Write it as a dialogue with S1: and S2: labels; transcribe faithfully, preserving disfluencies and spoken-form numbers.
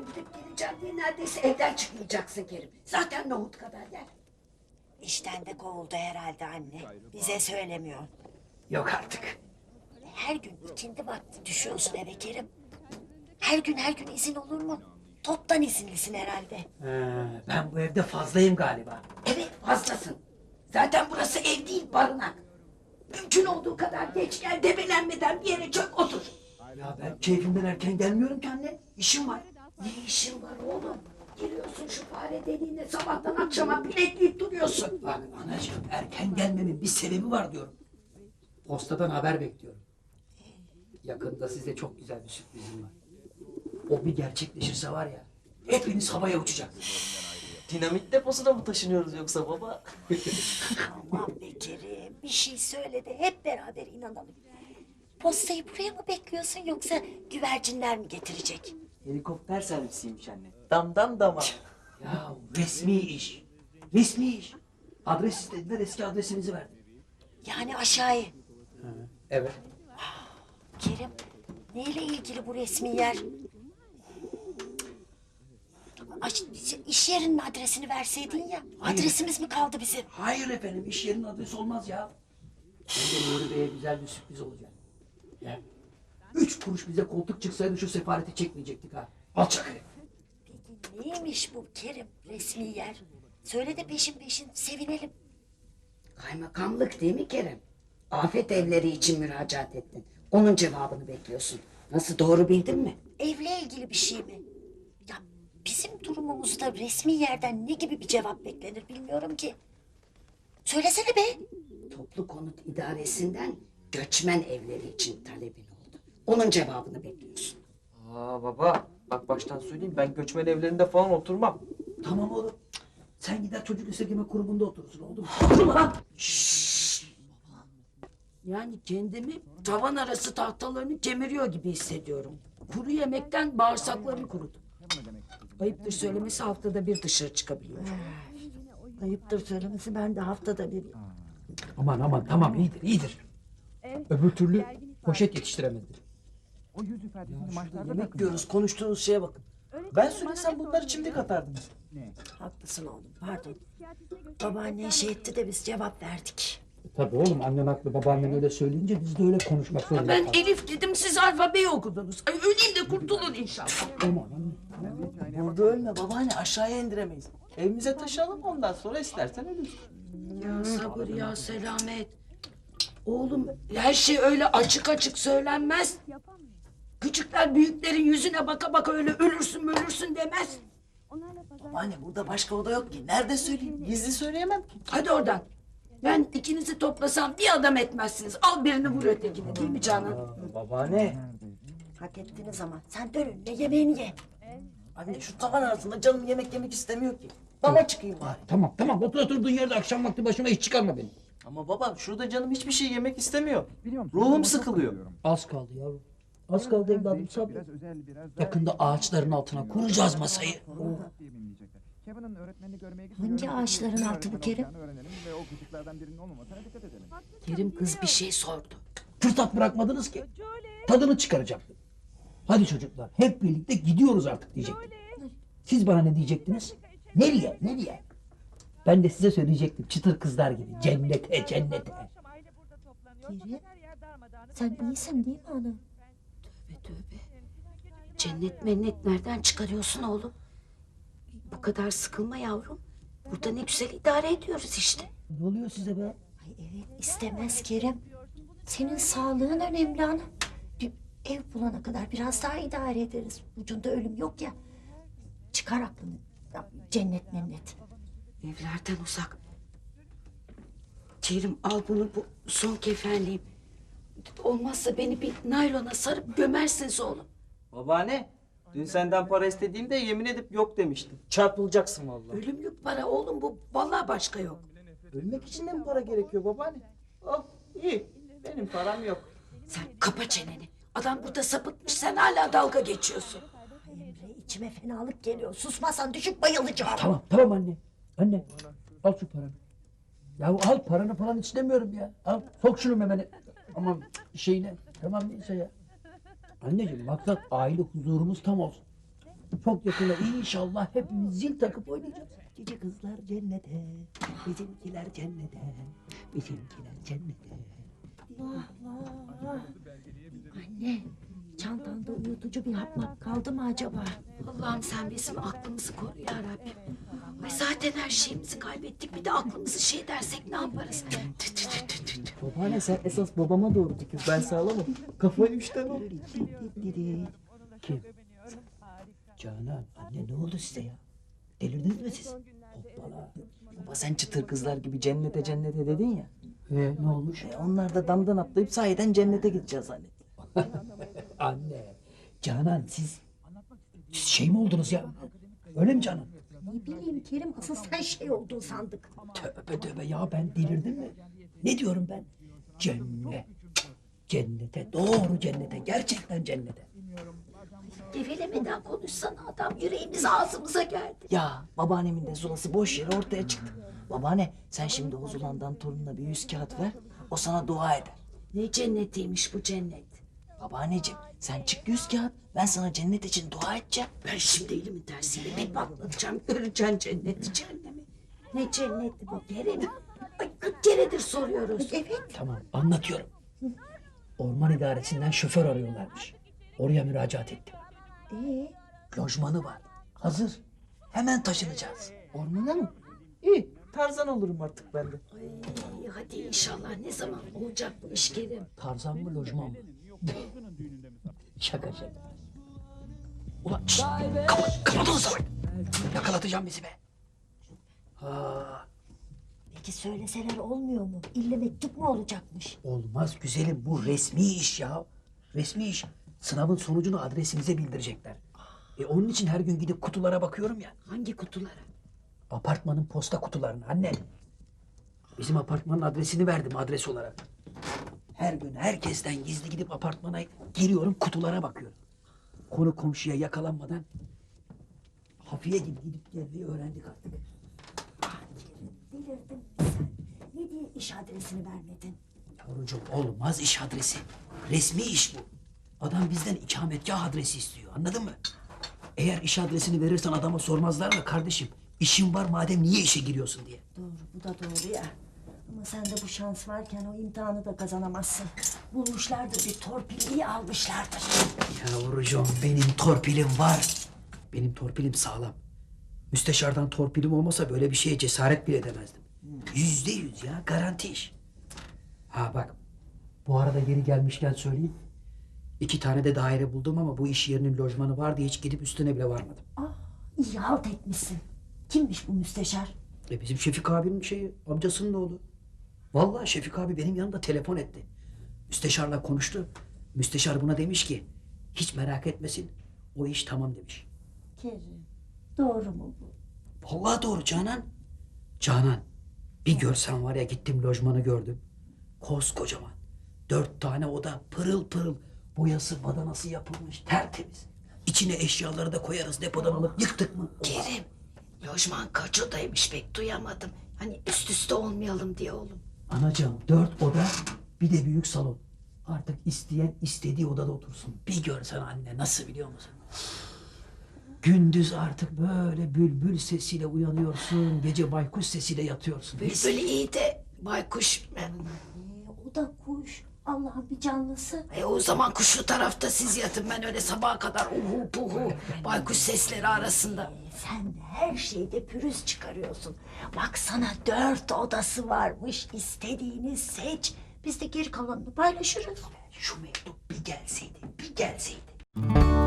S1: Ben gidip geleceğim diye neredeyse evden çıkmayacaksın Kerim. Zaten nohut kadar yer.
S2: İşten de kovuldu herhalde anne. Bize söylemiyor.
S1: Yok artık.
S2: Her gün ikindi vakti düşüyorsun eve Kerim. Her gün her gün izin olur mu? Toptan izinlisin herhalde.
S1: Ee, ben bu evde fazlayım galiba. Evet fazlasın. Zaten burası ev değil barınak. Mümkün olduğu kadar geç gel, debelenmeden bir yere çök otur. Ya ben keyfimden erken gelmiyorum ki anne. İşim var. Ne işin var oğlum? Giriyorsun şu fare deliğine, sabahtan akşama bilekleyip duruyorsun. Bak anacığım, erken gelmemin bir sebebi var diyorum. Postadan haber bekliyorum. Yakında size çok güzel bir sürprizim var. O bir gerçekleşirse var ya, hepiniz havaya uçacaksınız.
S3: Dinamit deposuna mı taşınıyoruz yoksa baba?
S2: Aman be Kerim, bir şey söyle de hep beraber inanalım. Postayı buraya mı bekliyorsun yoksa güvercinler mi getirecek?
S3: Helikopter servisiymiş anne. Damdan dama.
S1: Ya resmi iş. Resmi iş. Adres istediler, eski adresimizi verdim.
S2: Yani aşağıya.
S1: Evet.
S2: Kerim, neyle ilgili bu resmi yer? Aş, iş yerinin adresini verseydin ya.
S1: Hayır.
S2: Adresimiz mi kaldı bizim?
S1: Hayır efendim, iş yerinin adresi olmaz ya. Bence Nuri Bey'e güzel bir sürpriz olacak. Ya. Üç kuruş bize koltuk çıksaydı şu sefareti çekmeyecektik ha. Alçak herif.
S2: Peki neymiş bu Kerim resmi yer? Söyle de peşin peşin sevinelim.
S4: Kaymakamlık değil mi Kerem? Afet evleri için müracaat ettin. Onun cevabını bekliyorsun. Nasıl, doğru bildin mi?
S2: Evle ilgili bir şey mi? Ya bizim durumumuzda resmi yerden ne gibi bir cevap beklenir bilmiyorum ki. Söylesene be.
S4: Toplu konut idaresinden göçmen evleri için talebin oldu. Onun cevabını bekliyorsun.
S3: Aa baba, bak baştan söyleyeyim, ben göçmen evlerinde falan oturmam.
S1: Tamam oğlum. Sen gider çocuk esirgeme kurumunda oturursun, oldu mu? Oturma lan!
S4: Yani kendimi tavan arası tahtalarını kemiriyor gibi hissediyorum. Kuru yemekten bağırsaklarım kurudu. Ayıptır söylemesi, haftada bir dışarı çıkabiliyorum.
S2: Ayıptır söylemesi, ben de haftada bir.
S1: Aman aman tamam, iyidir iyidir. Öbür türlü poşet yetiştiremezdir.
S5: O yüz ifadesini maçlarda da
S3: Yemek diyoruz, konuştuğunuz şeye bakın. Ben söylesem bunları çimdik atardınız.
S2: Haklısın oğlum, pardon. Babaannen şey etti de biz cevap verdik.
S1: Tabii oğlum, annen haklı, babaannen öyle söyleyince biz de öyle konuşmak zorunda
S4: Ben
S1: kaldık.
S4: Elif dedim, siz alfabeyi okudunuz. Ay, öleyim de kurtulun inşallah.
S1: Aman anne.
S3: Burada ölme babaanne, aşağıya indiremeyiz. Evimize taşıyalım, ondan sonra istersen ölürüz.
S4: Ya sabır ya selamet. Oğlum her şey öyle açık açık söylenmez. Küçükler büyüklerin yüzüne baka baka öyle ölürsün ölürsün demez.
S3: Babaanne burada başka oda yok ki. Nerede söyleyeyim? Gizli söyleyemem ki.
S4: Hadi oradan. Ben ikinizi toplasam bir adam etmezsiniz. Al birini vur ötekini, değil mi Canan?
S3: Babaanne.
S2: Hak ettiniz ama sen dön önüne yemeğini ye.
S3: Anne şu tavan arasında canım yemek yemek istemiyor ki. Dama çıkayım bari.
S1: Tamam tamam, otur oturduğun yerde akşam vakti başıma hiç çıkarma beni.
S3: Ama baba şurada canım hiçbir şey yemek istemiyor.
S5: Biliyor musun?
S3: Ruhum
S5: Ama çok
S3: sıkılıyor.
S5: seviyorum.
S1: Az kaldı yavrum. Az kaldı evladım,
S5: Değişik,
S1: sabret.
S5: biraz özel, biraz daha-
S1: Yakında ağaçların altına kuracağız masayı.
S5: diye bilinecekler. Kevin'in öğretmenini görmeye
S2: Hangi
S5: gidiyorum.
S2: ağaçların
S5: Kim
S2: altı bu
S5: öğretmen
S2: Kerim?
S5: olacağını öğrenelim ve o küçüklerden birinin olmamasına dikkat edelim.
S4: Kerim kız bir şey sordu.
S1: Fırsat bırakmadınız ki. Tadını çıkaracaktım. Hadi çocuklar, hep birlikte gidiyoruz artık diyecektim. Siz bana ne diyecektiniz? Nereye, nereye? Ben de size söyleyecektim, çıtır kızlar gibi. Cennete, cennete.
S2: Kerim, sen iyisin değil mi ana?
S4: Tövbe tövbe. Cennet mennet nereden çıkarıyorsun oğlum? Bu kadar sıkılma yavrum. Burada ne güzel idare ediyoruz işte.
S1: Ne oluyor size be?
S2: Ay evet, istemez Kerim. Senin sağlığın önemli ana. Bir ev bulana kadar biraz daha idare ederiz. Ucunda ölüm yok ya. Çıkar aklını. Ya, cennet mennet.
S4: Evlerden uzak. Kerim al bunu, bu son kefenliğim. Olmazsa beni bir naylona sarıp gömersiniz oğlum.
S3: Babaanne, dün senden para istediğimde yemin edip yok demiştin. Çarpılacaksın vallahi.
S4: Ölümlük para oğlum bu. Vallahi başka yok.
S3: Ölmek için de mi para gerekiyor babaanne? Oh iyi, benim param yok.
S4: Sen kapa çeneni. Adam burada sapıtmış, sen hala dalga geçiyorsun.
S2: Ay Emre, içime fenalık geliyor. Susmazsan düşüp bayılacağım.
S1: Tamam, tamam anne. Anne, al şu paranı. Ya al paranı falan istemiyorum ya. Al, sok şunu memene. Aman şeyine. Tamam neyse ya. Anneciğim maksat aile huzurumuz tam olsun. Çok yakında inşallah hepimiz zil takıp oynayacağız. Cici kızlar cennete, bizimkiler cennete, bizimkiler cennete.
S2: Allah. Anne, çantanda uyutucu bir hap kaldı mı acaba?
S4: Allah'ım sen bizim aklımızı koru ya Rabbim. Ay zaten her şeyimizi kaybettik. Bir de aklımızı şey dersek ne yaparız? Tü tü tü tü tü tü.
S3: Babaanne sen esas babama doğru tükür. Ben sağlamam. Kafayı üçten ol.
S1: Kim? Canan, anne ne oldu size ya? Delirdiniz mi siz? Hoppala.
S3: Baba sen çıtır kızlar gibi cennete cennete dedin ya.
S1: Ee, ne olmuş?
S3: E, onlar da damdan atlayıp sahiden cennete gideceğiz zannet.
S1: Anne, Canan siz, siz şey mi oldunuz ya? Öyle mi Canan?
S2: Ne bileyim Kerim, asıl sen şey oldun sandık.
S1: Tövbe tövbe ya, ben delirdim mi? Ne diyorum ben? Cennet. Cennete, doğru cennete, gerçekten cennete.
S4: Gevelemeden konuşsana adam. Yüreğimiz ağzımıza geldi.
S3: Ya babaannemin de zulası boş yere ortaya çıktı. Babaanne sen şimdi o zulandan torununa bir yüz kağıt ver. O sana dua eder.
S4: Ne cennetiymiş bu cennet.
S3: Babaanneciğim sen çık yüz kağıt. Ben sana cennet için dua edeceğim.
S4: Ben şimdi elimin tersiyle bir patlatacağım. Göreceksin cenneti cehennemi. Ne cenneti bu Kerim? Ay kırk keredir soruyoruz.
S2: Evet.
S1: Tamam, anlatıyorum. Orman idaresinden şoför arıyorlarmış. Oraya müracaat ettim.
S2: Ee,
S1: Lojmanı var, hazır. Hemen taşınacağız.
S3: Ormana mı? İyi Tarzan olurum artık ben de.
S4: Ay, hadi inşallah ne zaman olacak bu iş Kerim?
S1: Tarzan mı, lojman mı? Şaka şaka. Ulan şşt, kapat, kapat onu salak. Yakalatacağım bizi be. Ha,
S2: peki söyleseler olmuyor mu? İlle mektup mu olacakmış?
S1: olmaz güzelim, bu resmi iş ya. Resmi iş. Sınavın sonucunu adresimize bildirecekler. E onun için her gün gidip kutulara bakıyorum ya.
S4: Hangi kutulara?
S1: Apartmanın posta kutularına anne. Bizim apartmanın adresini verdim adres olarak. Her gün herkesten gizli gidip apartmana giriyorum, kutulara bakıyorum. Konu komşuya yakalanmadan hafiye gibi gidip gelmeyi öğrendik artık.
S2: Ah Kerim, delirdin mi sen? Ne diye iş adresini vermedin?
S1: Yavrucuğum olmaz iş adresi. Resmi iş bu. Adam bizden ikametgah adresi istiyor, anladın mı? Eğer iş adresini verirsen adama sormazlar mı kardeşim? İşin var madem niye işe giriyorsun diye.
S2: Doğru, bu da doğru ya. Ama sende bu şans varken o imtihanı da kazanamazsın. Bulmuşlardır bir torpilliyi almışlardır.
S1: Yavrucuğum benim torpilim var. Benim torpilim sağlam. Müsteşardan torpilim olmasa böyle bir şeye cesaret bile edemezdim. Yüzde yüz ya, garanti iş. Ha bak, bu arada geri gelmişken söyleyeyim. İki tane de daire buldum ama bu iş yerinin lojmanı var diye hiç gidip üstüne bile varmadım.
S2: Ah, iyi halt etmişsin. Kimmiş bu müsteşar?
S1: E bizim Şefik abinin şeyi, amcasının oğlu. Vallahi Şefik abi benim yanımda telefon etti. Müsteşarla konuştu. Müsteşar buna demiş ki, hiç merak etmesin, o iş tamam demiş.
S2: Kerim, doğru mu bu?
S1: Vallahi doğru Canan. Canan, bir görsen var ya, gittim lojmanı gördüm. Koskocaman. Dört tane oda, pırıl pırıl. Boyası, badanası yapılmış, tertemiz. İçine eşyaları da koyarız, depodan alıp yıktık mı?
S4: Kerim, lojman kaç odaymış pek duyamadım. Hani üst üste olmayalım diye oğlum.
S1: Anacığım dört oda, bir de büyük salon. Artık isteyen istediği odada otursun. Bir görsen anne nasıl, biliyor musun? Gündüz artık böyle bülbül sesiyle uyanıyorsun, gece baykuş sesiyle yatıyorsun.
S4: Bülbül iyi de baykuş...
S2: Ee, o da kuş. Allah'ın bir canlısı.
S4: E o zaman kuşlu tarafta siz yatın, ben öyle sabaha kadar uhu puhu baykuş sesleri arasında.
S2: Ee, sen her şeyde pürüz çıkarıyorsun. Baksana dört odası varmış. İstediğini seç. Biz de geri kalanını paylaşırız.
S1: Şu mektup bir gelseydi, bir gelseydi.